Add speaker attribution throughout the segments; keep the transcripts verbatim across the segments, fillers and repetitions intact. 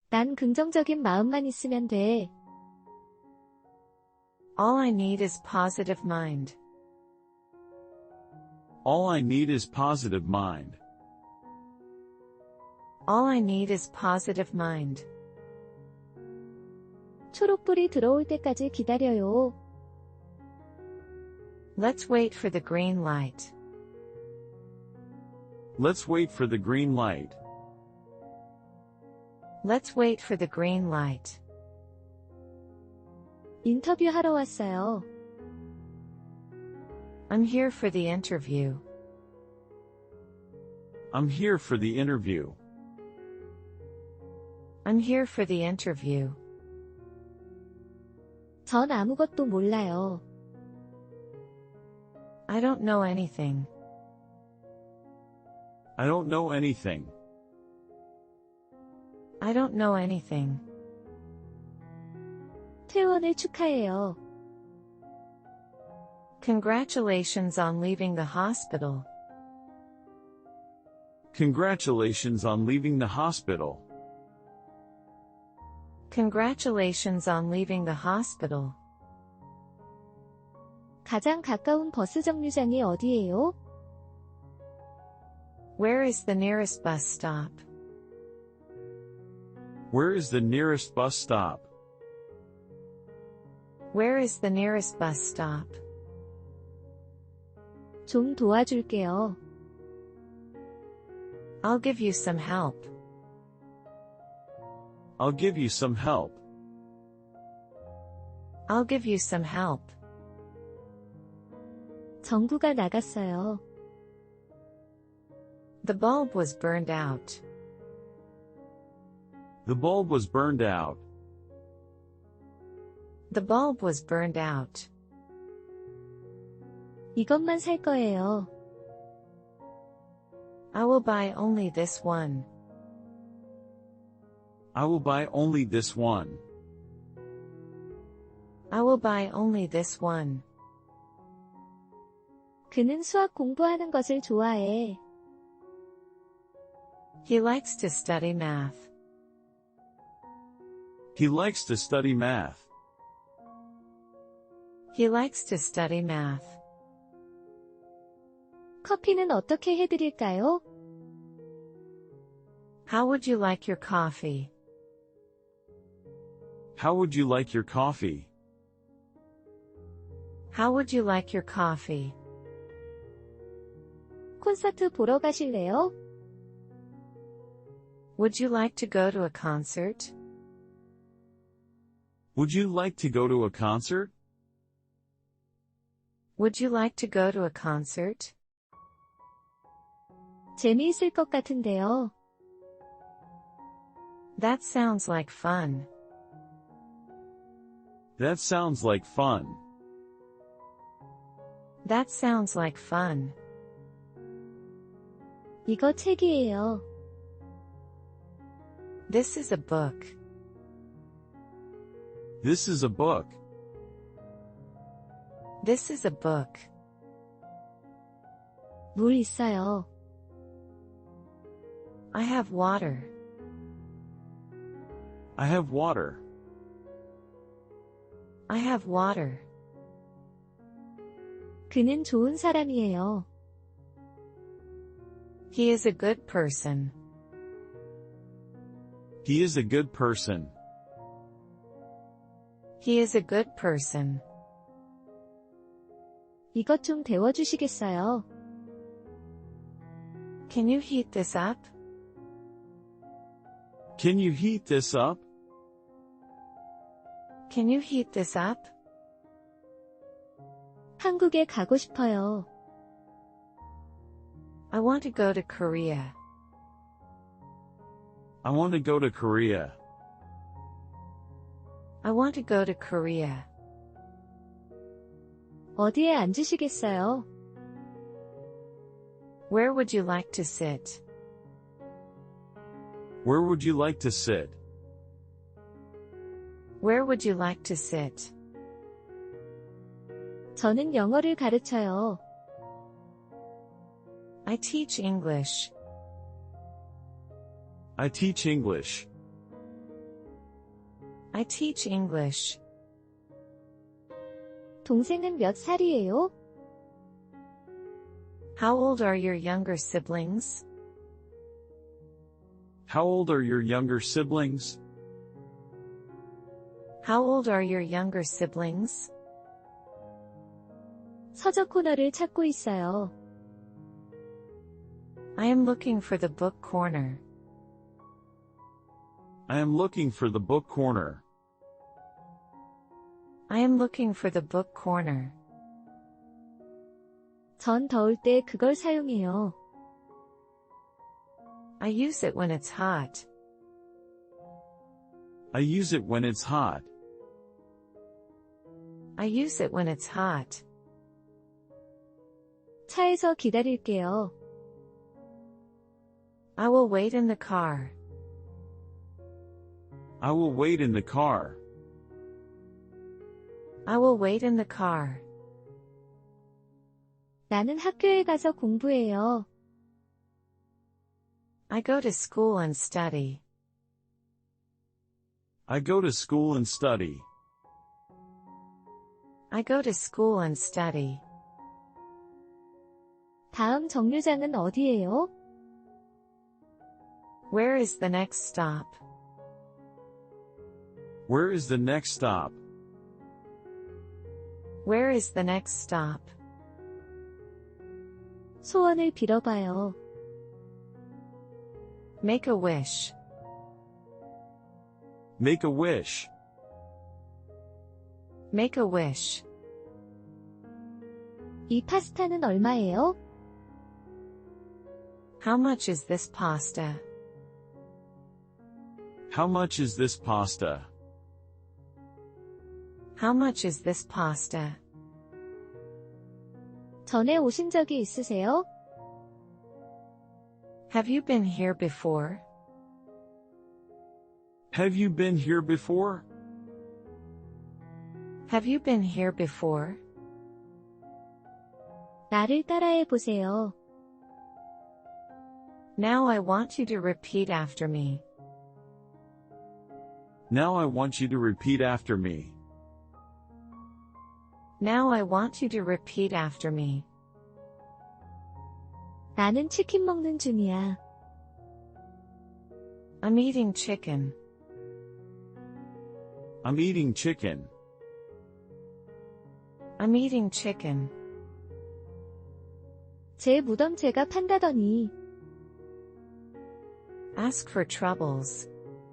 Speaker 1: 난 긍정적인 마음만 있으면 돼.
Speaker 2: All I need is positive mind.
Speaker 3: All I need is positive mind.
Speaker 2: All I need is positive mind.
Speaker 1: 초록불이 들어올 때까지 기다려요.
Speaker 2: Let's wait for the green light.
Speaker 3: Let's wait for the green light.
Speaker 2: Let's wait for the green light.
Speaker 1: 인터뷰하러 왔어요.
Speaker 2: I'm here for the interview.
Speaker 3: I'm here for the interview.
Speaker 2: I'm here for the interview.
Speaker 1: 전 아무것도 몰라요.
Speaker 2: I don't know anything.
Speaker 3: I don't know anything.
Speaker 2: I don't know anything.
Speaker 1: 퇴원을 축하해요.
Speaker 2: Congratulations on leaving the hospital.
Speaker 3: Congratulations on leaving the hospital.
Speaker 2: Congratulations on leaving the hospital.
Speaker 1: 가장 가까운 버스 정류장이 어디예요?
Speaker 2: Where is the nearest bus stop?
Speaker 3: Where is the nearest bus stop?
Speaker 2: Where is the nearest bus stop?
Speaker 1: 좀 도와줄게요.
Speaker 2: I'll give you some help.
Speaker 3: I'll give you some help.
Speaker 2: I'll give you some help.
Speaker 1: 전구가 나갔어요.
Speaker 2: The bulb was burned out.
Speaker 3: The bulb was burned out.
Speaker 2: The bulb was burned out.
Speaker 1: 이것만 살 거예요.
Speaker 2: I will buy only this one.
Speaker 3: I will buy only this one.
Speaker 2: I will buy only this one.
Speaker 1: 그는 수학 공부하는 것을 좋아해.
Speaker 2: He likes to study math.
Speaker 3: He likes to study math.
Speaker 2: He likes to study math.
Speaker 1: 커피는 어떻게 해드릴까요?
Speaker 2: How would you like your coffee?
Speaker 3: How would you like your coffee?
Speaker 2: How would you like your coffee?
Speaker 1: 콘서트 보러 가실래요?
Speaker 2: Would you like to go to a concert?
Speaker 3: Would you like to go to a concert?
Speaker 2: Would you like to go to a concert?
Speaker 1: 재미있을 것 같은데요.
Speaker 2: That sounds like fun.
Speaker 3: That sounds like fun.
Speaker 2: That sounds like fun.
Speaker 1: 이거 책이에요.
Speaker 2: This is a book.
Speaker 3: This is a book.
Speaker 2: This is a book.
Speaker 1: 물 있어요.
Speaker 2: I have water.
Speaker 3: I have water.
Speaker 2: I have water.
Speaker 1: 그는 좋은 사람이에요.
Speaker 2: He is a good person.
Speaker 3: He is a good person.
Speaker 2: He is a good person.
Speaker 1: 이것 좀 데워주시겠어요?
Speaker 2: Can you heat this up?
Speaker 3: Can you heat this up?
Speaker 2: Can you heat this up?
Speaker 1: 한국에 가고 싶어요.
Speaker 2: I want to go to Korea.
Speaker 3: I want to go to Korea.
Speaker 2: I want to go to Korea.
Speaker 1: 어디에 앉으시겠어요?
Speaker 2: Where would you like to sit?
Speaker 3: Where would you like to sit?
Speaker 2: Where would you like to sit?
Speaker 1: 저는 영어를 가르쳐요.
Speaker 2: I teach English.
Speaker 3: I teach English.
Speaker 2: I teach English.
Speaker 1: 동생은 몇 살이에요?
Speaker 2: How old are your younger siblings?
Speaker 3: How old are your younger siblings?
Speaker 2: How old are your younger siblings?
Speaker 1: 서적 코너를 찾고 있어요.
Speaker 2: I am looking for the book corner.
Speaker 3: I am looking for the book corner.
Speaker 2: I am looking for the book corner.
Speaker 1: 전 더울 때 그걸 사용해요.
Speaker 2: I use it when it's hot.
Speaker 3: I use it when it's hot.
Speaker 2: I use it when it's hot.
Speaker 1: 차에서 기다릴게요.
Speaker 2: I will wait in the car.
Speaker 3: I will wait in the car.
Speaker 2: I will wait in the car.
Speaker 1: 나는 학교에 가서 공부해요.
Speaker 2: I go to school and study.
Speaker 3: I go to school and study.
Speaker 2: I go to school and study.
Speaker 1: 다음 정류장은 어디예요?
Speaker 2: Where is the next stop?
Speaker 3: Where is the next stop?
Speaker 2: Where is the next stop?
Speaker 1: 소원을 빌어봐요.
Speaker 2: Make a wish.
Speaker 3: Make a wish.
Speaker 2: Make a wish.
Speaker 1: 이 파스타는 얼마예요?
Speaker 2: How much is this pasta?
Speaker 3: How much is this pasta?
Speaker 2: How much is this pasta?
Speaker 1: 전에 오신 적이 있으세요?
Speaker 2: Have you been here before?
Speaker 3: Have you been here before?
Speaker 2: Have you been here before?
Speaker 1: 나를 따라해 보세요.
Speaker 2: Now I want you to repeat after me.
Speaker 3: Now I want you to repeat after me.
Speaker 2: Now I want you to repeat after me.
Speaker 1: 나는 치킨 먹는 중이야.
Speaker 2: I'm eating chicken.
Speaker 3: I'm eating chicken.
Speaker 2: I'm eating chicken.
Speaker 1: 제 무덤 제가 판다더니.
Speaker 2: Ask for troubles.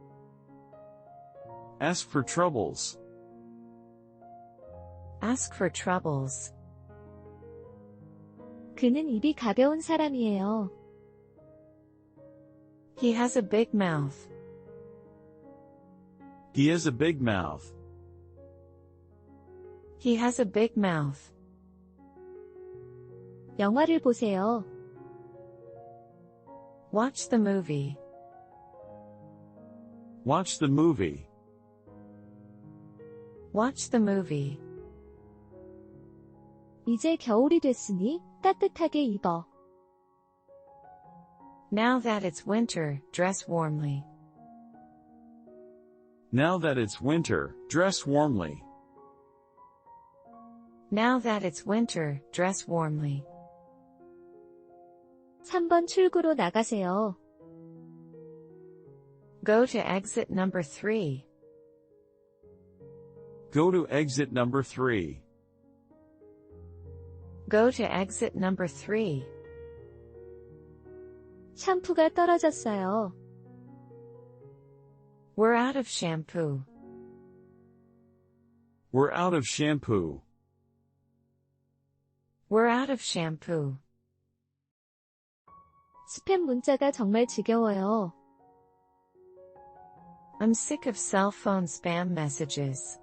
Speaker 3: Ask for troubles.
Speaker 2: Ask for troubles.
Speaker 1: 그는 입이 가벼운 사람이에요.
Speaker 2: He has a big mouth.
Speaker 3: He has a big mouth.
Speaker 2: He has a big mouth.
Speaker 1: 영화를 보세요.
Speaker 2: Watch the movie.
Speaker 3: Watch the movie.
Speaker 2: Watch the movie.
Speaker 1: 이제 겨울이 됐으니 따뜻하게 입어.
Speaker 2: Now that it's winter, dress warmly.
Speaker 3: Now that it's winter, dress warmly.
Speaker 2: Now that it's winter, dress warmly.
Speaker 1: 삼 번 출구로 나가세요.
Speaker 2: Go to exit number three.
Speaker 3: Go to exit number three.
Speaker 2: Go to exit number three.
Speaker 1: 샴푸가 떨어졌어요.
Speaker 2: We're out of shampoo.
Speaker 3: We're out of shampoo.
Speaker 2: We're out of shampoo.
Speaker 1: 스팸 문자가 정말 지겨워요.
Speaker 2: I'm sick of cell phone spam messages.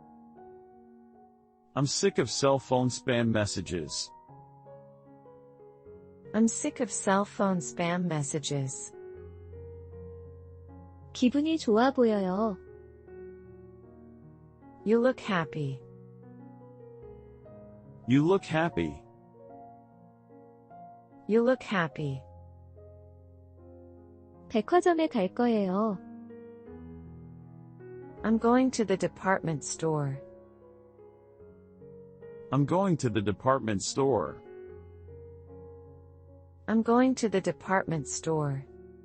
Speaker 3: I'm sick of cell phone spam messages.
Speaker 2: I'm sick of cell phone spam messages.
Speaker 1: 기분이 좋아 보여요.
Speaker 2: You look happy.
Speaker 3: You look happy.
Speaker 2: You look happy.
Speaker 1: 백화점에 갈 거예요.
Speaker 2: I'm going to the department store.
Speaker 3: I'm going to the department store.
Speaker 2: I'm going to the department store.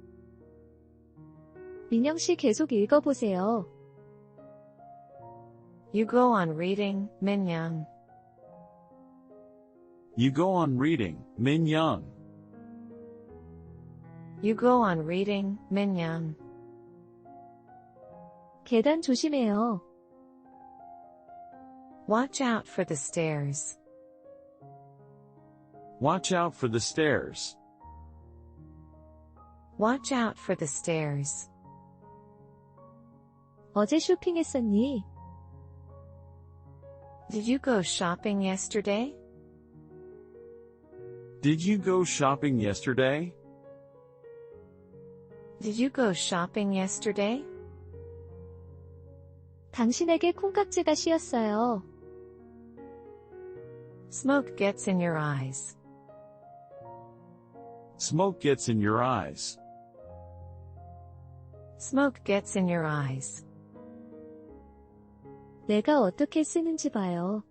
Speaker 1: 민영 씨 계속 읽어보세요.
Speaker 2: You go on reading, Minyoung.
Speaker 3: You go on reading, Min Young.
Speaker 2: You go on reading, Minyoung.
Speaker 1: 계단 조심해요.
Speaker 2: Watch out for the stairs.
Speaker 3: Watch out for the stairs.
Speaker 2: Watch out for the stairs.
Speaker 1: 어제 쇼핑했었니?
Speaker 2: Did you go shopping yesterday?
Speaker 3: Did you go shopping yesterday?
Speaker 2: Did you go shopping yesterday?
Speaker 1: 당신에게 콩깍지가 씌었어요.
Speaker 2: Smoke gets in your eyes.
Speaker 3: Smoke gets in your eyes.
Speaker 2: Smoke gets in your eyes.
Speaker 1: 내가 어떻게 쓰는지 봐요.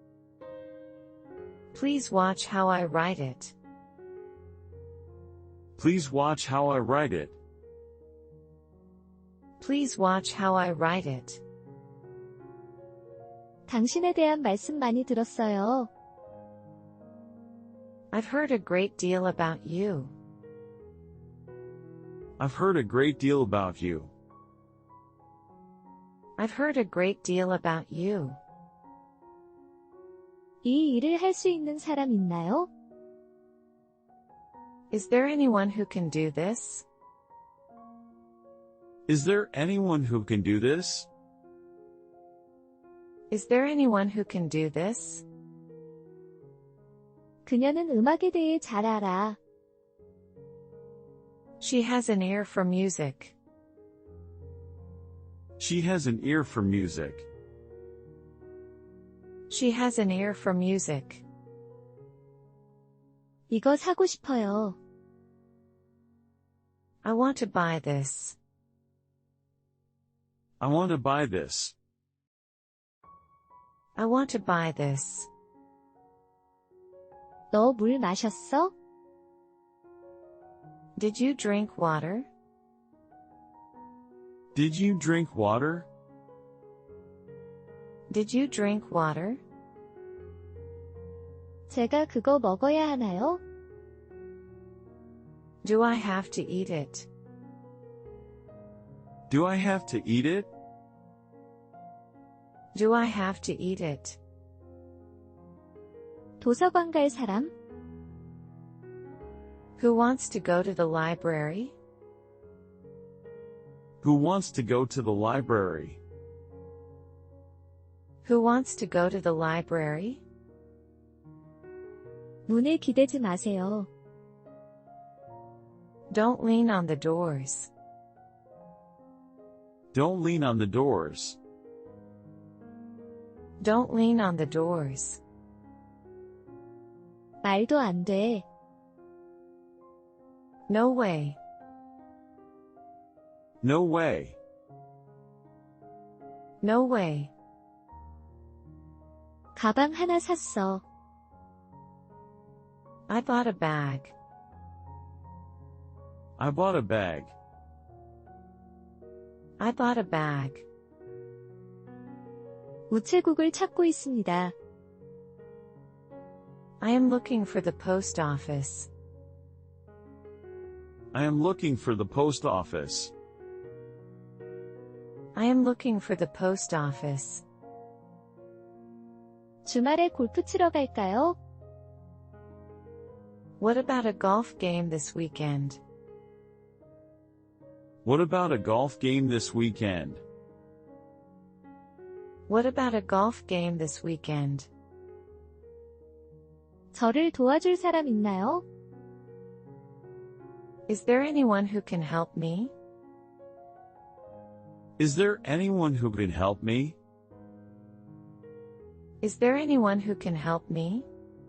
Speaker 2: Please watch how I write it.
Speaker 3: Please watch how I write it.
Speaker 2: Please watch how I write it.
Speaker 1: 당신에 대한 말씀 많이 들었어요.
Speaker 2: I've heard a great deal about you.
Speaker 3: I've heard a great deal about you.
Speaker 2: I've heard a great deal about you.
Speaker 1: 이 일을 할 수 있는 사람 있나요?
Speaker 2: Is there anyone who can do this?
Speaker 3: Is there anyone who can do this?
Speaker 2: Is there anyone who can do this?
Speaker 1: 그녀는 음악에 대해 잘 알아.
Speaker 2: She has an ear for music.
Speaker 3: She has an ear for music.
Speaker 2: She has an ear for music.
Speaker 1: 이거 사고 싶어요.
Speaker 2: I want to buy this.
Speaker 3: I want to buy this.
Speaker 2: I want to buy this.
Speaker 1: 너 물 마셨어?
Speaker 2: Did you drink water?
Speaker 3: Did you drink water?
Speaker 2: Did you drink water?
Speaker 1: 제가 그거 먹어야 하나요?
Speaker 2: Do I have to eat it?
Speaker 3: Do I have to eat it?
Speaker 2: Do I have to eat it?
Speaker 1: 도서관 갈 사람?
Speaker 2: Who wants to go to the library?
Speaker 3: Who wants to go to the library?
Speaker 2: Who wants to go to the library?
Speaker 1: 문에 기대지 마세요.
Speaker 2: Don't lean on the doors.
Speaker 3: Don't lean on the doors.
Speaker 2: Don't lean on the doors.
Speaker 1: 말도 안 돼.
Speaker 2: No way.
Speaker 3: No way.
Speaker 2: No way.
Speaker 1: 가방 하나 샀어.
Speaker 2: I bought a bag.
Speaker 3: I bought a bag.
Speaker 2: I bought a bag.
Speaker 1: 우체국을 찾고 있습니다.
Speaker 2: I am looking for the post office.
Speaker 3: I am looking for the post office.
Speaker 2: I am looking for the post office.
Speaker 1: 주말에 골프 치러 갈까요?
Speaker 2: What about a golf game this weekend?
Speaker 3: What about a golf game this weekend?
Speaker 2: What about a golf game this weekend?
Speaker 1: 저를 도와줄 사람 있나요?
Speaker 2: Is there anyone who can help me?
Speaker 3: Is there anyone who can help me?
Speaker 2: Is there anyone who can help me?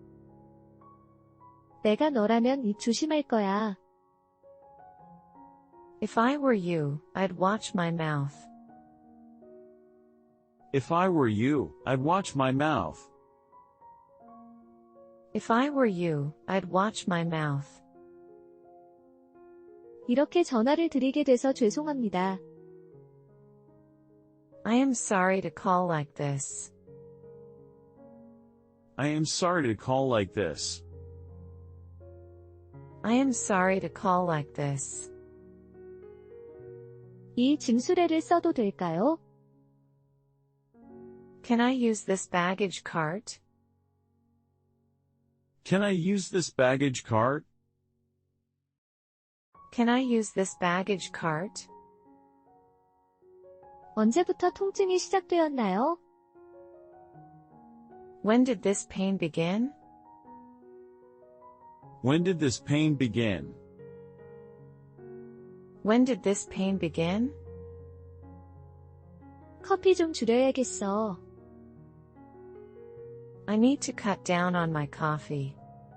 Speaker 1: 내가 너라면 입 조심할 거야.
Speaker 2: If I were you, I'd watch my mouth.
Speaker 3: If I were you, I'd watch my mouth.
Speaker 2: If I were you, I'd watch my mouth.
Speaker 1: 이렇게 전화를 드리게 돼서 죄송합니다.
Speaker 2: I am sorry to call like this.
Speaker 3: I am sorry to call like this.
Speaker 2: I am sorry to call like this.
Speaker 1: 이 짐수레를 써도 될까요?
Speaker 2: Can I use this baggage cart?
Speaker 3: Can I use this baggage cart?
Speaker 2: Can I use this baggage cart?
Speaker 1: 언제부터 통증이 시작되었나요?
Speaker 2: When did this pain begin?
Speaker 3: When did this pain begin?
Speaker 2: When did this pain begin?
Speaker 1: 커피 좀 줄여야겠어.
Speaker 2: I need to cut down on my coffee.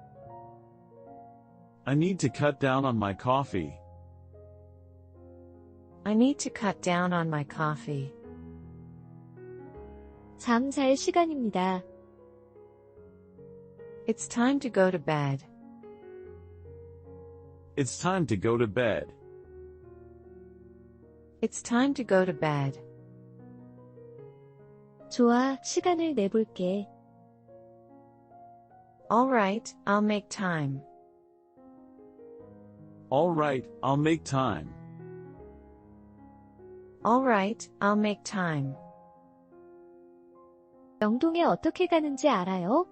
Speaker 3: I need to cut down on my coffee.
Speaker 2: I need to cut down on my coffee.
Speaker 1: 잠 잘 시간입니다.
Speaker 2: It's time to go to bed.
Speaker 3: It's time to go to bed.
Speaker 2: It's time to go to bed.
Speaker 1: 좋아, 시간을 내볼게.
Speaker 2: Alright, I'll make time.
Speaker 3: Alright, I'll make time.
Speaker 2: Alright, I'll make time.
Speaker 1: 영동에 어떻게 가는지 알아요?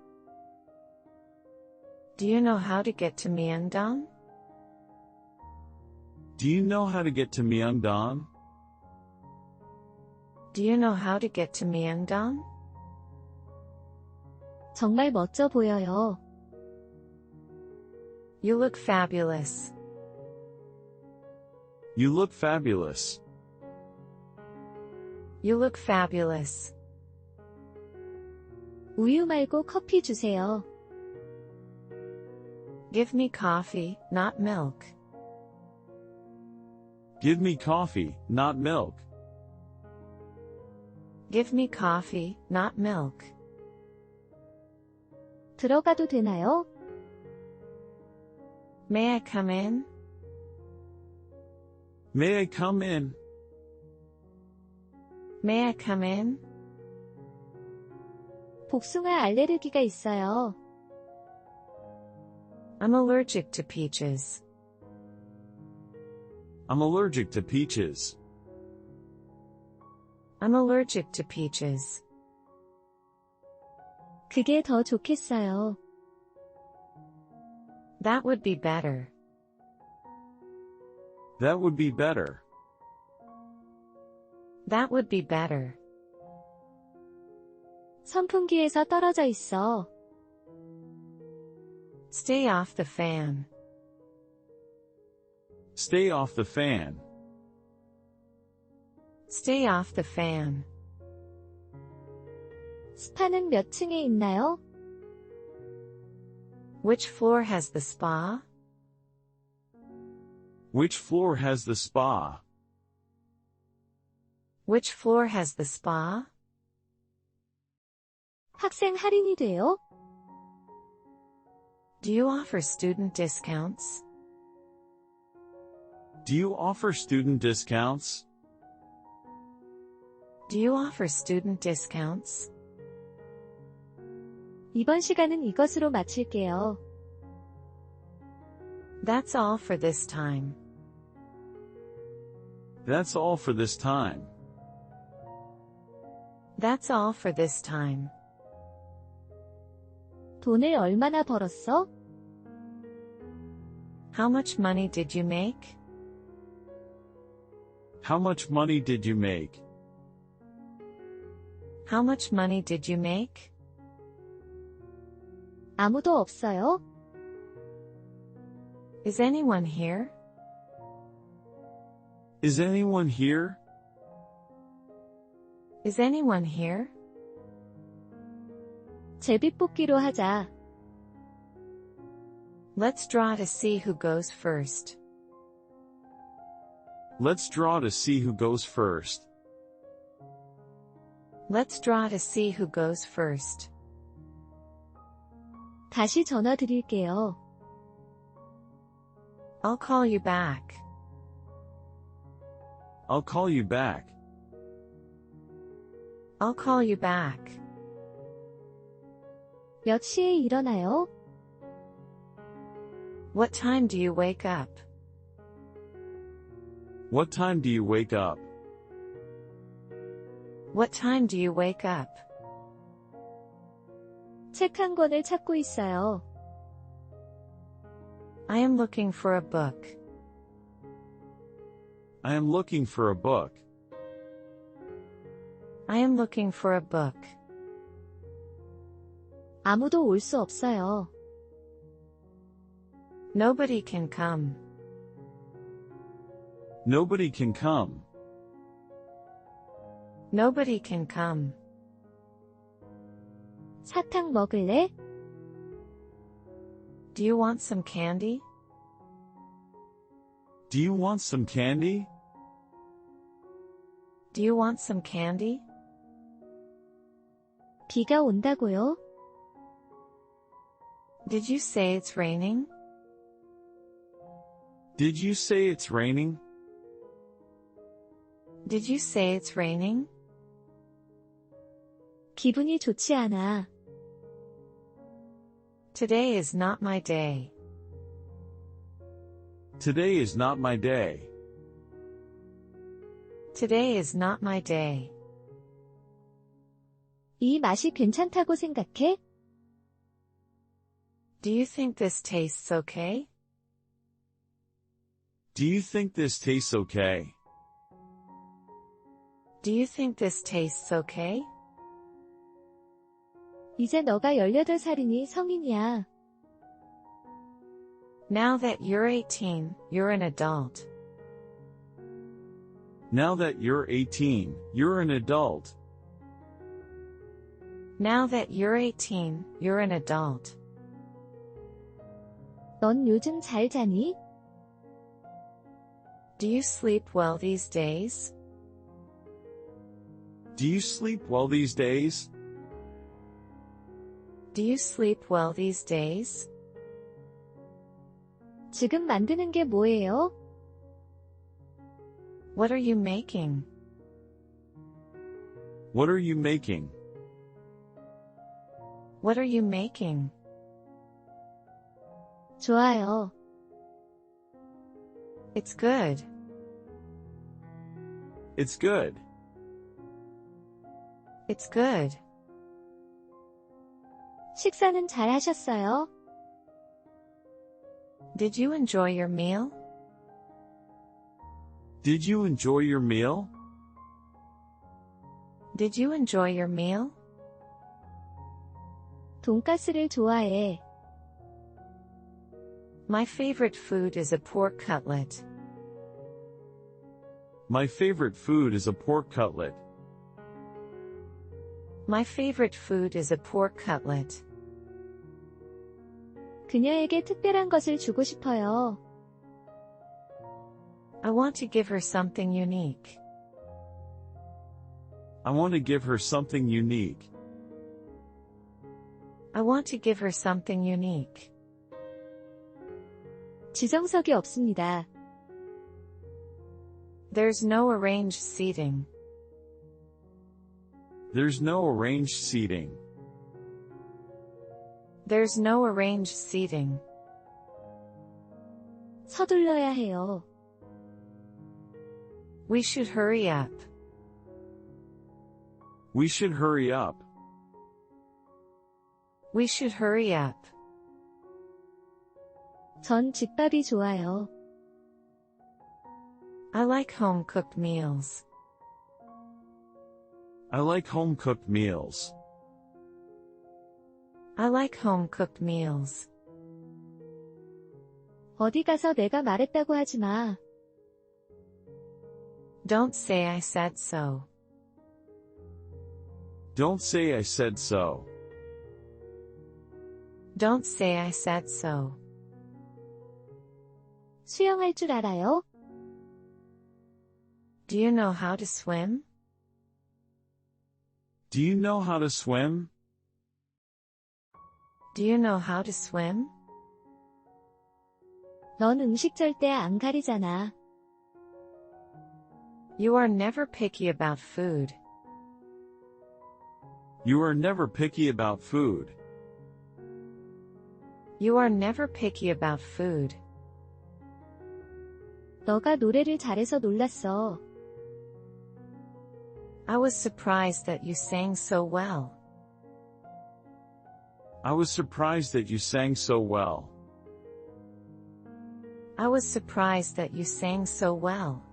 Speaker 2: Do you know how to get to Myeongdong?
Speaker 3: Do you know how to get to Myeongdong?
Speaker 2: Do you know how to get to Myeongdong?
Speaker 1: 정말 멋져 보여요.
Speaker 2: You look fabulous.
Speaker 3: You look fabulous.
Speaker 2: You look fabulous.
Speaker 1: 우유 말고 커피 주세요.
Speaker 2: Give me coffee, not milk.
Speaker 3: Give me coffee, not milk.
Speaker 2: Give me coffee, not milk.
Speaker 1: 들어가도 되나요?
Speaker 2: May I come in?
Speaker 3: May I come in?
Speaker 2: May I come in?
Speaker 1: 복숭아 알레르기가 있어요.
Speaker 2: I'm allergic to peaches.
Speaker 3: I'm allergic to peaches.
Speaker 2: I'm allergic to peaches.
Speaker 1: 그게 더 좋겠어요.
Speaker 2: That would be better.
Speaker 3: That would be better.
Speaker 2: That would be better.
Speaker 1: 선풍기에서 떨어져 있어.
Speaker 2: Stay off the fan.
Speaker 3: Stay off the fan.
Speaker 2: Stay off the fan.
Speaker 1: 스파는 몇 층에 있나요?
Speaker 2: Which floor has the spa?
Speaker 3: Which floor has the spa?
Speaker 2: Which floor has the spa?
Speaker 1: 학생 할인이 돼요?
Speaker 2: Do you offer student discounts?
Speaker 3: Do you offer student discounts?
Speaker 2: Do you offer student discounts?
Speaker 1: 이번 시간은 이것으로 마칠게요.
Speaker 2: That's all for this time.
Speaker 3: That's all for this time.
Speaker 2: That's all for this time.
Speaker 1: 돈을 얼마나 벌었어?
Speaker 2: How much money did you make?
Speaker 3: How much money did you make?
Speaker 2: How much money did you make?
Speaker 1: 아무도 없어요?
Speaker 2: Is anyone here?
Speaker 3: Is anyone here?
Speaker 2: Is anyone here?
Speaker 1: 제비뽑기로 하자.
Speaker 2: Let's draw to see who goes first.
Speaker 3: Let's draw to see who goes first.
Speaker 2: Let's draw to see who goes first.
Speaker 1: 다시 전화 드릴게요.
Speaker 2: I'll call you back.
Speaker 3: I'll call you back.
Speaker 2: I'll call you back.
Speaker 1: 몇 시에 일어나요?
Speaker 2: What time do you wake up?
Speaker 3: What time do you wake up?
Speaker 2: What time do you wake up?
Speaker 1: 책 한 권을 찾고 있어요.
Speaker 2: I am looking for a book.
Speaker 3: I am looking for a book.
Speaker 2: I am looking for a book.
Speaker 1: 아무도 올 수 없어요.
Speaker 2: Nobody can come.
Speaker 3: Nobody can come.
Speaker 2: Nobody can come.
Speaker 1: 사탕 먹을래?
Speaker 2: Do you want some candy?
Speaker 3: Do you want some candy?
Speaker 2: Do you want some candy?
Speaker 1: 비가 온다고요?
Speaker 2: Did you say it's raining?
Speaker 3: Did you say it's raining?
Speaker 2: Did you say it's raining?
Speaker 1: 기분이 좋지 않아.
Speaker 2: Today is not my day.
Speaker 3: Today is not my day.
Speaker 2: Today is not my day.
Speaker 1: 이 맛이 괜찮다고 생각해?
Speaker 2: Do you think this tastes okay?
Speaker 3: Do you think this tastes okay?
Speaker 2: Do you think this tastes okay?
Speaker 1: 이제 너가 열여덟 살이니 성인이야.
Speaker 2: Now that you're eighteen, you're an adult.
Speaker 3: Now that you're eighteen, you're an adult.
Speaker 2: Now that you're eighteen, you're an adult.
Speaker 1: 넌 요즘 잘 자니?
Speaker 2: Do you sleep well these days?
Speaker 3: Do you sleep well these days?
Speaker 2: Do you sleep well these days?
Speaker 1: 지금 만드는 게 뭐예요?
Speaker 2: What are you making?
Speaker 3: What are you making?
Speaker 2: What are you making?
Speaker 1: 좋아요.
Speaker 2: It's good.
Speaker 3: It's good.
Speaker 2: It's good.
Speaker 1: 식사는 잘 하셨어요?
Speaker 2: Did you enjoy your meal?
Speaker 3: Did you enjoy your meal?
Speaker 2: Did you enjoy your meal?
Speaker 1: 돈가스를 좋아해.
Speaker 2: My favorite food is a pork cutlet.
Speaker 3: My favorite food is a pork cutlet.
Speaker 2: My favorite food is a pork cutlet.
Speaker 1: 그녀에게 특별한 것을 주고 싶어요.
Speaker 2: I want to give her something unique.
Speaker 3: I want to give her something unique.
Speaker 2: I want to give her something unique.
Speaker 1: 지정석이 없습니다.
Speaker 2: There's no arranged seating.
Speaker 3: There's no arranged seating.
Speaker 2: There's no arranged seating.
Speaker 1: 서둘러야 해요.
Speaker 2: We should hurry up.
Speaker 3: We should hurry up.
Speaker 2: We should hurry up.
Speaker 1: 전 집밥이 좋아요.
Speaker 2: I like home-cooked meals.
Speaker 3: I like home-cooked meals.
Speaker 2: I like home-cooked meals.
Speaker 1: 어디 가서 내가 말했다고 하지 마.
Speaker 2: Don't say I said so.
Speaker 3: Don't say I said so.
Speaker 2: Don't say I said so.
Speaker 1: 수영할 줄 알아요?
Speaker 2: Do you know how to swim?
Speaker 3: Do you know how to swim?
Speaker 2: Do you know how to swim?
Speaker 1: 넌 음식 절대 안 가리잖아.
Speaker 2: You are never picky about food.
Speaker 3: You are never picky about food.
Speaker 2: You are never picky about food.
Speaker 1: 너가 노래를 잘해서 놀랐어.
Speaker 2: I was surprised that you sang so well.
Speaker 3: I was surprised that you sang so well.
Speaker 2: I was surprised that you sang so well.